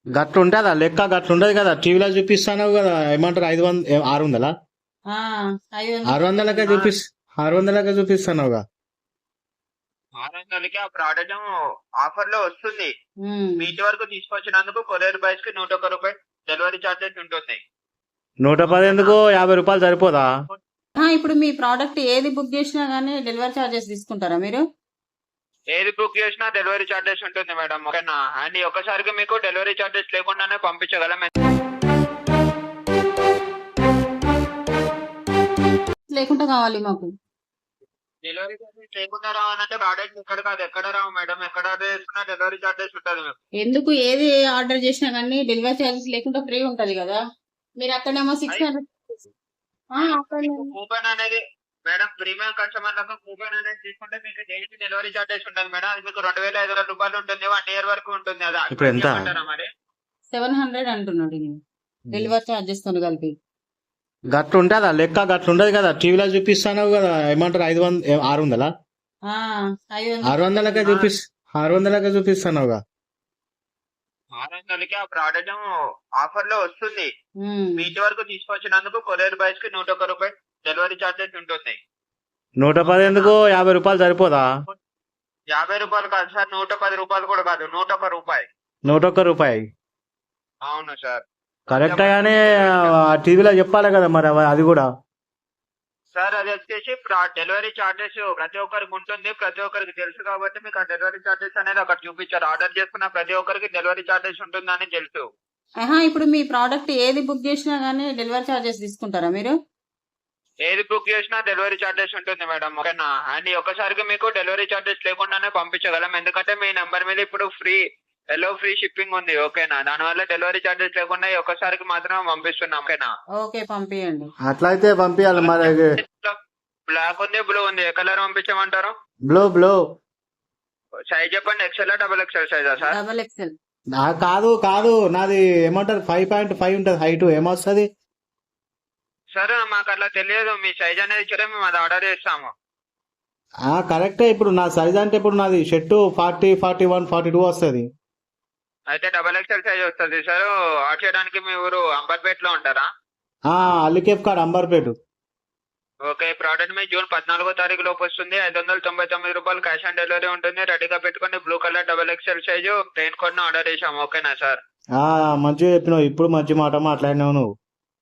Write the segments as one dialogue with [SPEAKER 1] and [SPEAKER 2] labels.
[SPEAKER 1] గట్లుంటదా లెక్క? గట్లుంటది కదా, టీవీలో చూపిస్తాను కదా. ఏమంటారు 500 600?
[SPEAKER 2] ఆ, 500.
[SPEAKER 1] 600లకే చూపిస్ 600లకే చూపిస్తున్నావుగా.
[SPEAKER 3] 600కి ఆ ప్రోడక్ట్ ఆఫర్ లో వస్తుంది.
[SPEAKER 2] ఉమ్.
[SPEAKER 3] మీ ఇంటి వరకు తీసుకొచ్చినందుకు కొరియర్ బాయ్స్ కి 101 రూపాయలు డెలివరీ చార్జెస్ ఉంటుంది.
[SPEAKER 1] 110 ఎందుకు? 50 రూపాయలు సరిపోదా?
[SPEAKER 2] ఇప్పుడు మీ ప్రోడక్ట్ ఏది బుక్ చేసినా గానీ డెలివరీ చార్జెస్ తీసుకుంటారా మీరు?
[SPEAKER 3] ఏది బుక్ చేసినా డెలివరీ చార్జెస్ ఉంటుంది మేడం, ఓకేనా? అండ్ ఒక్కసారికి మీకు డెలివరీ చార్జెస్ లేకుండానే పంపించగలం.
[SPEAKER 2] లేకుండా కావాలి మాకు.
[SPEAKER 3] డెలివరీ చార్జెస్ లేకుండా రావాలంటే ప్రోడక్ట్ ఇక్కడ కాదు, ఎక్కడ రావు మేడం. ఎక్కడ ఆర్డర్ చేసుకున్నా డెలివరీ చార్జెస్ ఉంటుంది మీకు.
[SPEAKER 2] ఎందుకు ఏది ఆర్డర్ చేసినా గానీ డెలివరీ చార్జెస్ లేకుండా ఫ్రీ ఉంటది కదా. మీరు అక్కడేమో 600.
[SPEAKER 3] కూపన్ అనేది మేడం, ప్రీమియం కస్టమర్లకు కూపన్ అనేది తీసుకుంటే మీకు డైలీ డెలివరీ చార్జెస్ ఉంటుంది మేడం. అది మీకు 2500 రూపాయలు ఉంటుంది, 1 year వరకు ఉంటుంది. అదా
[SPEAKER 1] ఇప్పుడు ఎంత?
[SPEAKER 3] మరి
[SPEAKER 2] 700 అంటున్నాడు డెలివరీ చార్జెస్ తో కలిపి.
[SPEAKER 1] గట్లుంటదా లెక్క? గట్లుంటది కదా, టీవీలో చూపిస్తాను కదా. ఏమంటారు 500 600?
[SPEAKER 2] ఆ, 500.
[SPEAKER 1] 600లకే 600లకే చూపిస్తున్నావుగా.
[SPEAKER 3] 600కి ఆ ప్రోడక్ట్ ఆఫర్ లో వస్తుంది.
[SPEAKER 2] ఉమ్.
[SPEAKER 3] మీ ఇంటి వరకు తీసుకొచ్చినందుకు కొరియర్ బాయ్స్ కి 101 రూపాయలు డెలివరీ చార్జెస్ ఉంటుంది.
[SPEAKER 1] 110 ఎందుకు? 50 రూపాయలు సరిపోదా?
[SPEAKER 3] 50 రూపాయలు కాదు సార్, 110 రూపాయలు కూడా కాదు, 101 రూపాయి.
[SPEAKER 1] 101 రూపాయి
[SPEAKER 3] అవును సార్.
[SPEAKER 1] కరెక్ట్ గానే టీవీలో చెప్పాలి కదా మరి అది కూడా.
[SPEAKER 3] సార్ అది వచ్చేసి డెలివరీ చార్జెస్ ప్రతి ఒక్కరికి ఉంటుంది, ప్రతి ఒక్కరికి తెలుసు కాబట్టి మీకు ఆ డెలివరీ చార్జెస్ అనేది అక్కడ చూపించారు. ఆర్డర్ చేసుకున్న ప్రతి ఒక్కరికి డెలివరీ చార్జెస్ ఉంటుందని తెలుసు.
[SPEAKER 2] ఇప్పుడు మీ ప్రోడక్ట్ ఏది బుక్ చేసినా గానీ డెలివరీ చార్జెస్ తీసుకుంటారా మీరు?
[SPEAKER 3] ఏది బుక్ చేసినా డెలివరీ చార్జెస్ ఉంటుంది మేడం, ఓకేనా? అండ్ ఒక్కసారికి మీకు డెలివరీ చార్జెస్ లేకుండానే పంపించగలం. ఎందుకంటే మీ నెంబర్ మీద ఇప్పుడు ఫ్రీ షిప్పింగ్ ఉంది, ఓకేనా? దానివల్ల డెలివరీ చార్జెస్ లేకుండా ఈ ఒక్కసారికి మాత్రం పంపిస్తున్నాం, ఓకేనా?
[SPEAKER 2] ఓకే, పంపియండి.
[SPEAKER 1] అట్లయితే పంపించాలి మరి.
[SPEAKER 3] బ్లాక్ ఉంది, బ్లూ ఉంది, ఏ కలర్ పంపించమంటారు?
[SPEAKER 1] బ్లో
[SPEAKER 3] సైజ్ చెప్పండి. ఎక్సెల్ డబుల్ ఎక్సెల్ సైజా సార్?
[SPEAKER 2] Double XL.
[SPEAKER 1] కాదు నాది ఏమంటారు 5.5 ఉంటుంది హైట్. ఏమొస్తుంది?
[SPEAKER 3] సార్ మాకు అట్లా తెలియదు, మీ సైజ్ అనేది ఇచ్చారే మేము అది ఆర్డర్ చేస్తాము.
[SPEAKER 1] కరెక్టే. ఇప్పుడు నా సైజ్ అంటే ఇప్పుడు నాది షర్టు 40, 41, 42 వస్తుంది.
[SPEAKER 3] అయితే డబల్ ఎక్సెల్ సైజ్ వస్తుంది సార్. ఆర్డర్ చేయడానికి మీ ఊరు అంబర్పేట లో ఉంటారా?
[SPEAKER 1] అల్లికేఫ్ కాడ అంబర్పేట.
[SPEAKER 3] ఓకే, ప్రోడక్ట్ మీ జూన్ 14వ తారీఖు లోపు వస్తుంది. 599 రూపాయలు క్యాష్ ఆన్ డెలివరీ ఉంటుంది. రెడీగా పెట్టుకుని blue colour double XL size plain code order చేసాము, ఓకేనా సార్?
[SPEAKER 1] మంచిగా చెప్పినావు. ఇప్పుడు మంచి మాట మాట్లాడినావు నువ్వు.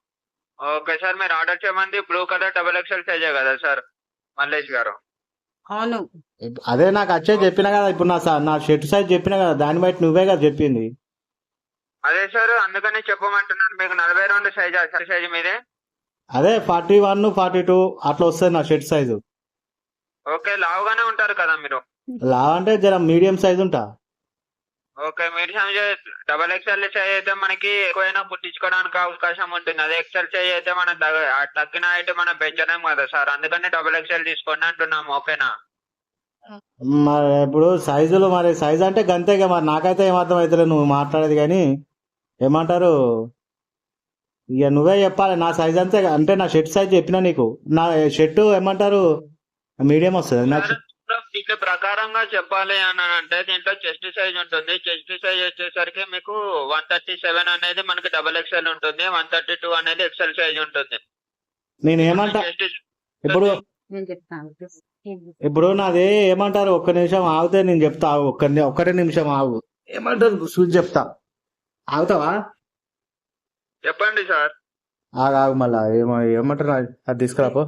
[SPEAKER 3] ఓకే సార్, మీరు ఆర్డర్ చేయమంది బ్లూ కలర్ డబల్ ఎక్సెల్ సైజే కదా సార్ మల్లేష్ గారు?
[SPEAKER 2] అవును.
[SPEAKER 1] అదే నాకు వచ్చేది చెప్పినా కదా. ఇప్పుడు నా షర్ట్ సైజ్ చెప్పినా కదా, దాన్ని బట్టి నువ్వే కదా చెప్పింది.
[SPEAKER 3] అదే సార్, అందుకని చెప్పమంటున్నాను. మీకు 42 సైజ్ మీదే.
[SPEAKER 1] అదే 41, 42 అట్లా వస్తుంది నా షర్ట్ సైజు.
[SPEAKER 3] ఓకే, లావుగానే ఉంటారు కదా మీరు?
[SPEAKER 1] లావ్ అంటే జర మీడియం సైజ్ ఉంటా.
[SPEAKER 3] Okay, medium double XL size అయితే మనకి ఎక్కువైనా పుట్టించుకోవడానికి అవకాశం ఉంటుంది. అదే ఎక్స్ఎల్ సైజ్ అయితే మనం తగ్గిన అయితే మనం పెంచలేం కదా సార్. అందుకని డబల్ ఎక్స్ఎల్ తీసుకోండి అంటున్నాము, ఓకేనా?
[SPEAKER 1] మరి ఇప్పుడు సైజులు, మరి సైజ్ అంటే గంతేగా. మరి నాకైతే ఏమర్థం అవుతలేదు నువ్వు మాట్లాడేది. కానీ ఏమంటారు, ఇక నువ్వే చెప్పాలి. నా సైజ్ అంతే అంటే నా షర్ట్ సైజ్ చెప్పినా నీకు. నా షర్టు ఏమంటారు మీడియం వస్తుంది నాకు.
[SPEAKER 3] దీంట్లో ప్రకారంగా చెప్పాలి అని అంటే దీంట్లో చెస్ట్ సైజ్ ఉంటుంది. చెస్ట్ సైజ్ వచ్చేసరికి మీకు 137 అనేది మనకి డబల్ ఎక్స్ఎల్ ఉంటుంది, 132 అనేది ఎక్స్ఎల్ సైజ్ ఉంటుంది.
[SPEAKER 1] నేను ఏమంటా ఇప్పుడు
[SPEAKER 2] నేను చెప్తాను.
[SPEAKER 1] ఇప్పుడు నాది ఏమంటారు, ఒక్క నిమిషం ఆగితే నేను చెప్తా. ఒక్కటే నిమిషం ఆగు. ఏమంటారు చూసి చెప్తా. ఆగుతావా?
[SPEAKER 3] చెప్పండి సార్.
[SPEAKER 1] ఆగు మళ్ళా ఏమంటారు అది తీసుకురాపో.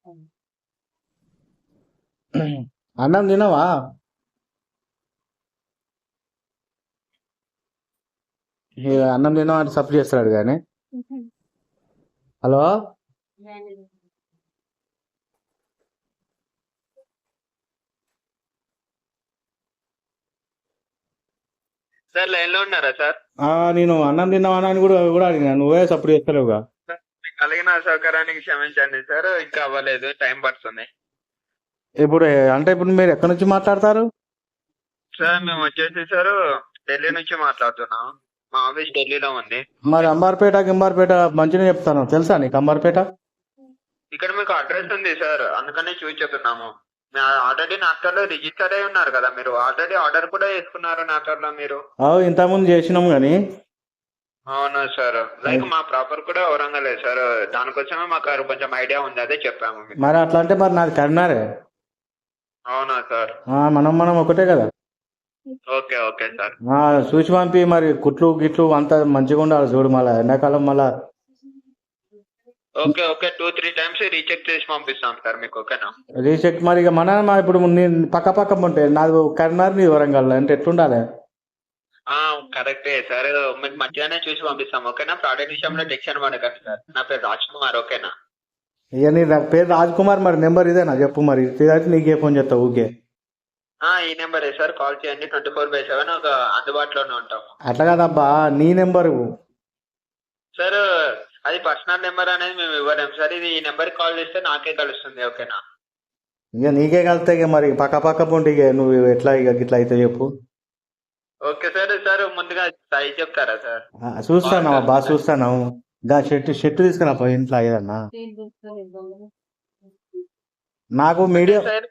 [SPEAKER 1] అన్నం తినవా? అన్నం తినవా అంటే సప్లై చేస్తాడు కానీ. హలో,
[SPEAKER 3] సార్ లైన్ లో ఉన్నారా సార్?
[SPEAKER 1] నేను అన్నం తిన్నావా అని కూడా అడిగినా, నువ్వే సప్లై చేస్తలేవుగా.
[SPEAKER 3] కలిగిన సౌకర్యానికి క్షమించండి సార్, ఇంకా అవ్వలేదు, టైం పడుతుంది.
[SPEAKER 1] ఇప్పుడు అంటే ఇప్పుడు మీరు ఎక్కడి నుంచి మాట్లాడతారు
[SPEAKER 3] సార్? మేము వచ్చేసి సార్ ఢిల్లీ నుంచి మాట్లాడుతున్నాం. మా ఆఫీస్ ఢిల్లీలో ఉంది.
[SPEAKER 1] మరి గింబార్పేట మంచిగా చెప్తాను తెలుసా నీకు? అంబార్పేట
[SPEAKER 3] ఇక్కడ మీకు అడ్రస్ ఉంది సార్, అందుకని చూసి చెప్తున్నాము. ఆల్రెడీ నాఫ్టర్ లో రిజిస్టర్ అయి ఉన్నారు కదా మీరు. ఆల్రెడీ ఆర్డర్ కూడా చేసుకున్నారు నాఫ్టర్ లో మీరు.
[SPEAKER 1] ఇంతకుముందు చేసినాము కానీ
[SPEAKER 3] అవునా సార్, లైక్ మా ప్రాపర్ కూడా వరంగలే సార్, దానికోసమే మాకు కొంచెం ఐడియా ఉంది, అదే చెప్పాము మీకు.
[SPEAKER 1] మరి అట్లా అంటే మరి నాది కరీంనగరే.
[SPEAKER 3] అవునా సార్,
[SPEAKER 1] మనం ఒకటే కదా.
[SPEAKER 3] Okay okay sir.
[SPEAKER 1] చూసి పంపి మరి కుట్లు గిట్లు అంతా మంచిగా ఉండాలి చూడు, మళ్ళీ ఎండాకాలం మళ్ళా.
[SPEAKER 3] ఓకే ఓకే, 2-3 టైమ్స్ రీచెక్ చేసి పంపిస్తాం సార్ మీకు, ఓకేనా?
[SPEAKER 1] రీచెక్ మరి ఇక మన ఇప్పుడు నేను పక్క పక్క ఉంటే నాది కరీంనగర్ నీ వరంగల్ అంటే ఎట్లుండాలి.
[SPEAKER 3] కరెక్టే సార్, మీకు మంచిగానే చూసి పంపిస్తాం, ఓకేనా? ప్రోడక్ట్ విషయంలో టెన్షన్ పడకండి సార్. నా పేరు రాజ్ కుమార్, ఓకేనా?
[SPEAKER 1] ఇక నీ పేరు రాజ్ కుమార్, మరి నెంబర్ ఇదేనా చెప్పు, మరి ఇదైతే నీకే ఫోన్ చేస్తావు ఊకే.
[SPEAKER 3] ఈ నెంబరే సార్, కాల్ చేయండి. 24/7 ఒక అందుబాటులోనే ఉంటాము.
[SPEAKER 1] అట్లా కాదబ్బా, నీ నెంబరు.
[SPEAKER 3] సార్ అది పర్సనల్ నెంబర్ అనేది మేము ఇవ్వలేము సార్, ఇది ఈ నెంబర్కి కాల్ చేస్తే నాకే కలుస్తుంది, ఓకేనా?
[SPEAKER 1] ఇక నీకే కలిస్తే ఇక మరి పక్క పక్క పొంటి ఇక నువ్వు ఎట్లా ఇక గిట్లా అయితే చెప్పు.
[SPEAKER 3] Okay sir. సార్ ముందుగా సైజ్ చెప్తారా సార్?
[SPEAKER 1] చూస్తాను బాగా చూస్తాను. షర్ట్ తీసుకురా పోయి ఇంట్లో ఏదన్నా నాకు మీడియం.
[SPEAKER 3] సార్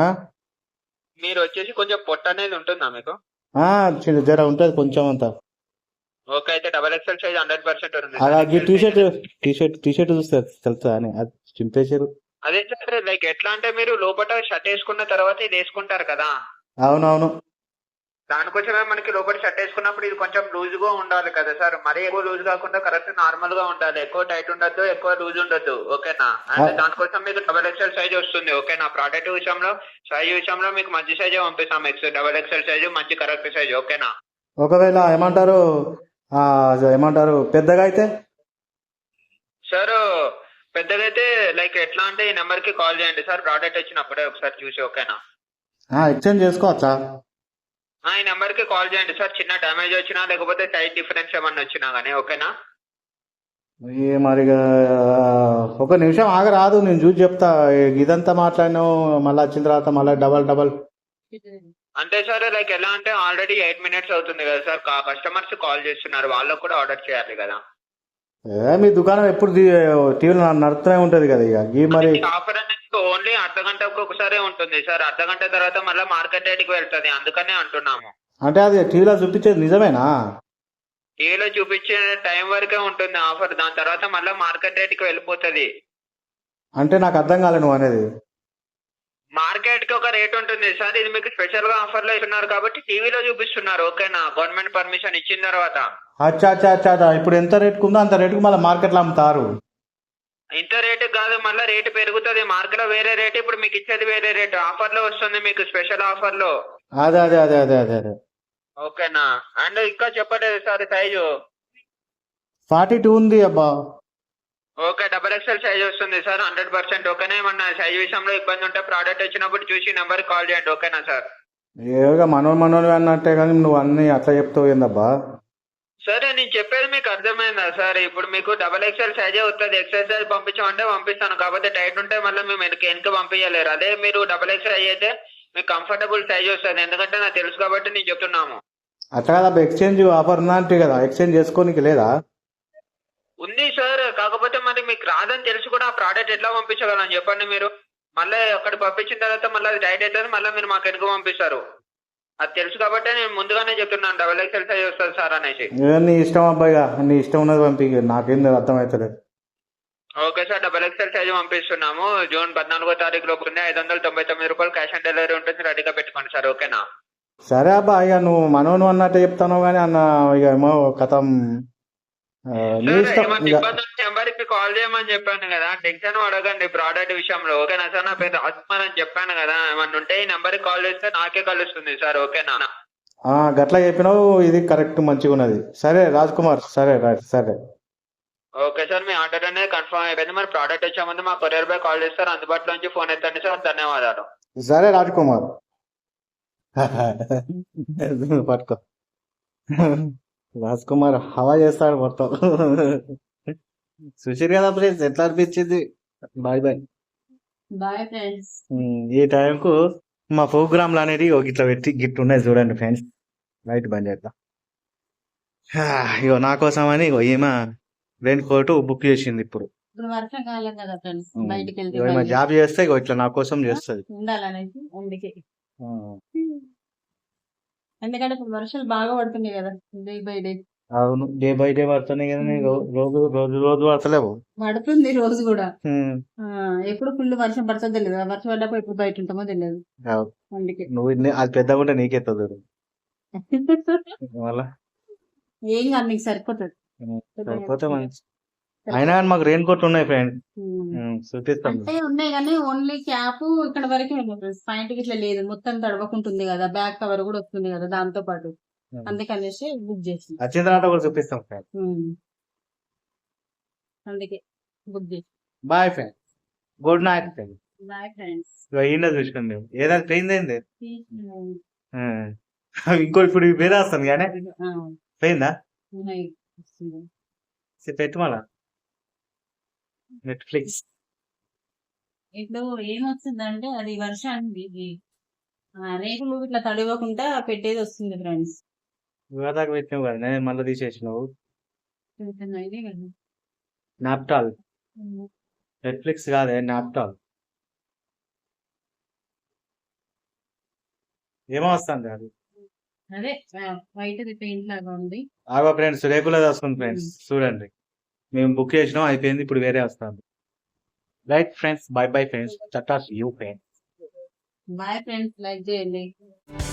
[SPEAKER 3] మీరు వచ్చేసి కొంచెం పొట్ట అనేది ఉంటుందా మీకు?
[SPEAKER 1] జర ఉంటుంది కొంచెం అంతా.
[SPEAKER 3] ఓకే, అయితే XXL సైజ్ 100% ఉంది.
[SPEAKER 1] అలాగే టీ షర్ట్ చూస్తే తెలుసా అని అది చింపేశారు.
[SPEAKER 3] అదే సార్, లైక్ ఎట్లా అంటే మీరు లోపల షర్ట్ వేసుకున్న తర్వాత ఇది వేసుకుంటారు కదా,
[SPEAKER 1] అవునవును.
[SPEAKER 3] దానికోసమే మనకి లోపల షర్ట్ వేసుకున్నప్పుడు ఇది కొంచెం లూజ్ గా ఉండాలి కదా సార్, మరీ ఎక్కువ లూజ్ కాకుండా కరెక్ట్ నార్మల్ గా ఉండాలి, ఎక్కువ టైట్ ఉండొద్దు, ఎక్కువ లూజ్ ఉండొద్దు, ఓకేనా? అంటే దానికోసం మీకు XXL సైజ్ వస్తుంది, ఓకేనా? ప్రోడక్ట్ విషయంలో సైజ్ విషయంలో మీకు మంచి సైజే పంపిస్తాం, XXL సైజ్ మంచి కరెక్ట్ సైజ్, ఓకేనా?
[SPEAKER 1] ఒకవేళ ఏమంటారు పెద్దగా అయితే
[SPEAKER 3] సార్ పెద్దగా అయితే లైక్ ఎట్లా అంటే ఈ నెంబర్ కి కాల్ చేయండి సార్, ప్రోడక్ట్ వచ్చినప్పుడే ఒకసారి చూసి, ఓకేనా?
[SPEAKER 1] ఎక్స్చేంజ్ చేసుకోవచ్చా?
[SPEAKER 3] ఈ నెంబర్ కి కాల్ చేయండి సార్, చిన్న డ్యామేజ్ వచ్చినా లేకపోతే సైజ్ డిఫరెన్స్ ఏమన్నా వచ్చినా గానీ, ఓకేనా?
[SPEAKER 1] మరి ఒక నిమిషం ఆగరాదు, నేను చూసి చెప్తా. ఇదంతా మాట్లాడినావు, మళ్ళీ వచ్చిన తర్వాత మళ్ళీ డబల్.
[SPEAKER 3] అంటే సార్ లైక్ ఎలా అంటే ఆల్రెడీ 8 minutes అవుతుంది కదా సార్, కస్టమర్స్ కాల్ చేస్తున్నారు, వాళ్ళకు కూడా ఆర్డర్ చేయాలి కదా.
[SPEAKER 1] మీ దుకాణం ఎప్పుడు టీవీలో నడుస్తూనే ఉంటది కదా ఇక మరి.
[SPEAKER 3] ఆఫర్ అనేది ఓన్లీ అర్ధగంటకు ఒకసారి ఉంటుంది సార్, అర్ధగంట తర్వాత మళ్ళీ మార్కెట్ రేట్కి వెళ్తుంది, అందుకనే అంటున్నాము.
[SPEAKER 1] అంటే అది టీవీలో చూపించేది నిజమేనా?
[SPEAKER 3] టీవీలో చూపించే టైం వరకే ఉంటుంది ఆఫర్, దాని తర్వాత మళ్ళీ మార్కెట్ రేట్కి వెళ్ళిపోతుంది.
[SPEAKER 1] అంటే నాకు అర్థం కాలే నువ్వు అనేది.
[SPEAKER 3] మార్కెట్ కి ఒక రేట్ ఉంటుంది సార్, ఇది మీకు స్పెషల్ గా ఆఫర్ లో ఇస్తున్నారు కాబట్టి టీవీలో చూపిస్తున్నారు, ఓకేనా? గవర్నమెంట్ పర్మిషన్ ఇచ్చిన తర్వాత.
[SPEAKER 1] అచ్చా ఇప్పుడు ఎంత రేటుకు ఉందో అంత రేటుకు మళ్ళీ మార్కెట్ లో అమ్ముతారు.
[SPEAKER 3] ఇంత రేటు కాదు, మళ్ళీ రేటు పెరుగుతుంది, మార్కెట్ లో వేరే రేటు, ఇప్పుడు మీకు ఇచ్చేది వేరే రేటు, ఆఫర్ లో వస్తుంది మీకు, స్పెషల్ ఆఫర్ లో.
[SPEAKER 1] అదే
[SPEAKER 3] ఓకేనా? అండ్ ఇంకా చెప్పలేదు సార్, సైజు
[SPEAKER 1] 42 ఉంది అబ్బా.
[SPEAKER 3] ఓకే, XXL సైజ్ వస్తుంది సార్ 100%, ఓకేనా? ఏమన్నా సైజ్ విషయంలో ఇబ్బంది ఉంటే ప్రోడక్ట్ వచ్చినప్పుడు చూసి నెంబర్ కాల్ చేయండి, ఓకేనా సార్?
[SPEAKER 1] ఏగా మనోడు అన్నట్టే కానీ నువ్వు అన్ని అట్లా చెప్తావు ఏందబ్బా.
[SPEAKER 3] సరే, నేను చెప్పేది మీకు అర్థమైందా సార్? ఇప్పుడు మీకు XXL సైజే వస్తుంది, ఎక్సెల్ సైజ్ పంపించమంటే పంపిస్తాను, కాకపోతే టైట్ ఉంటే మళ్ళీ మేము వెనక పంపించలేరు. అదే మీరు XXL అయితే మీకు కంఫర్టబుల్ సైజ్ వస్తుంది, ఎందుకంటే నాకు తెలుసు కాబట్టి నేను చెప్తున్నాము.
[SPEAKER 1] అట్లా కదా, ఎక్స్చేంజ్ ఆఫర్ ఉందా అంటే కదా, ఎక్స్చేంజ్ చేసుకోనికి లేదా?
[SPEAKER 3] ఉంది సార్, కాకపోతే మరి మీకు రాదని తెలిసి కూడా ఆ ప్రోడక్ట్ ఎట్లా పంపించగలను చెప్పండి మీరు? మళ్ళీ అక్కడ పంపించిన తర్వాత మళ్ళీ అది టైట్ అవుతుంది, మళ్ళీ మీరు మాకు వెనుక పంపిస్తారు, అది తెలుసు కాబట్టి నేను ముందుగానే చెప్తున్నాను XXL సైజ్ వస్తుంది సార్ అనేసి.
[SPEAKER 1] నీ ఇష్టం అబ్బాయిగా, నీ ఇష్టం ఉన్నది పంపి, నాకేం అర్థమవుతలేదు.
[SPEAKER 3] ఓకే సార్, XXL సైజ్ పంపిస్తున్నాము. జూన్ 14వ తారీఖు లోపు ఉంది, 599 రూపాయలు క్యాష్ ఆన్ డెలివరీ ఉంటుంది, రెడీగా పెట్టుకోండి సార్, ఓకేనా?
[SPEAKER 1] సరే అబ్బా, ఇక నువ్వు మనోను అన్నట్టే చెప్తాను కానీ అన్న ఇక ఏమో కథం. నీ ఇష్టం.
[SPEAKER 3] నెంబర్కి కాల్ చేయమని చెప్పాను కదా, టెన్షన్ అడగండి ప్రోడక్ట్ విషయంలో, ఓకేనా సార్? నా పేరు రాజ్కుమార్ అని చెప్పాను కదా, ఏమన్నా ఉంటే ఈ నెంబర్కి కాల్ చేస్తే నాకే కలుస్తుంది సార్, ఓకేనా?
[SPEAKER 1] గట్లా చెప్పినావు, ఇది కరెక్ట్ మంచిగా ఉన్నది. సరే రాజ్ కుమార్, సరే సరే.
[SPEAKER 3] ఓకే సార్, మీ ఆర్డర్ అనేది కన్ఫర్మ్ అయిపోయింది. మరి ప్రోడక్ట్ వచ్చే ముందు మా కొరియర్ బాయ్ కాల్ చేస్తారు, అందుబాటులో నుంచి ఫోన్ ఎత్తండి సార్. ధన్యవాదాలు.
[SPEAKER 1] సరే రాజ్ కుమార్, పట్టుకో. రాజ్ కుమార్ హవా చేస్తాడు మొత్తం. సుశీర్ కదా ప్లీజ్, ఎట్లా అనిపించింది? Bye
[SPEAKER 2] friends.
[SPEAKER 1] ఈ టైంకు మా ప్రోగ్రాంలు అనేది ఇట్లా పెట్టి గిట్ ఉన్నాయి చూడండి ఫ్రెండ్స్. లైట్ బంద్ చేద్దాం. ఇగో నా కోసం అని ఈమె రెయిన్ కోట్ బుక్ చేసింది. ఇప్పుడు
[SPEAKER 2] వర్షాకాలం కదా ఫ్రెండ్స్, బయటికి
[SPEAKER 1] ఈమె జాబ్ చేస్తే ఇట్లా నా కోసం చేస్తుంది
[SPEAKER 2] ఉండాలనేసి, అందుకే. ఎందుకంటే ఇప్పుడు వర్షాలు బాగా పడుతున్నాయి కదా, డే బై డే.
[SPEAKER 1] అవును, డే బై డే పడుతున్నాయి కానీ రోజు రోజు రోజు పడతలేవు.
[SPEAKER 2] పడుతుంది రోజు కూడా.
[SPEAKER 1] ఉమ్,
[SPEAKER 2] ఎప్పుడు ఫుల్ వర్షం పడుతుందో తెలియదు, వర్షం పడ్డప్పుడు ఎప్పుడు బయట ఉంటామో తెలియదు.
[SPEAKER 1] అవును.
[SPEAKER 2] అందుకే
[SPEAKER 1] నువ్వు అది పెద్దగా ఉంటే నీకెత్తదు మళ్ళా.
[SPEAKER 2] ఏం కాదు, నీకు సరిపోతుంది.
[SPEAKER 1] సరిపోతే మంచి. అయినా కానీ మాకు రెయిన్ కోట్ ఉన్నాయి ఫ్రెండ్, చూపిస్తాం.
[SPEAKER 2] అంటే ఉన్నాయి కానీ ఓన్లీ క్యాప్ ఇక్కడ వరకే ఉంది ఫ్రెండ్స్, పాయింట్ ఇట్లా లేదు, మొత్తం తడవకుంటుంది కదా, బ్యాక్ కవర్ కూడా వస్తుంది కదా దాంతో పాటు, అందుకనేసి బుక్ చేసి
[SPEAKER 1] వచ్చిన తర్వాత కూడా చూపిస్తాం ఫ్రెండ్.
[SPEAKER 2] అందుకే బుక్ చేసి.
[SPEAKER 1] Bye friend, good night friend.
[SPEAKER 2] Bye friends.
[SPEAKER 1] ఈయన చూసుకోండి మేము ఏదైనా ట్రైన్ అయింది. ఇంకో ఇప్పుడు వేరే వస్తాను కానీ పోయిందా పెట్టు మళ్ళా నెట్ఫ్లిక్స్.
[SPEAKER 2] ఇప్పుడు ఏమొస్తుందంటే అది వర్షానికి ఇది, రేకులు ఇట్లా తడవకుండా పెట్టేది వస్తుంది ఫ్రెండ్స్.
[SPEAKER 1] వివాదాకు పెట్టినావు కదా, నేను మళ్ళీ తీసేసినావు.
[SPEAKER 2] ఇదే కదా.
[SPEAKER 1] నాప్టాల్, నెట్ఫ్లిక్స్ కాదే నాప్టాల్. ఏమో వస్తుంది అది.
[SPEAKER 2] అదే వైట్ పెయింట్ లాగా ఉంది.
[SPEAKER 1] ఆగో ఫ్రెండ్స్, రేకులది వస్తుంది ఫ్రెండ్స్, చూడండి. మేము బుక్ చేసినాం, అయిపోయింది, ఇప్పుడు వేరే వస్తుంది. Right friends, bye bye friends, tata you friends.
[SPEAKER 2] Bye friends, like చేయండి.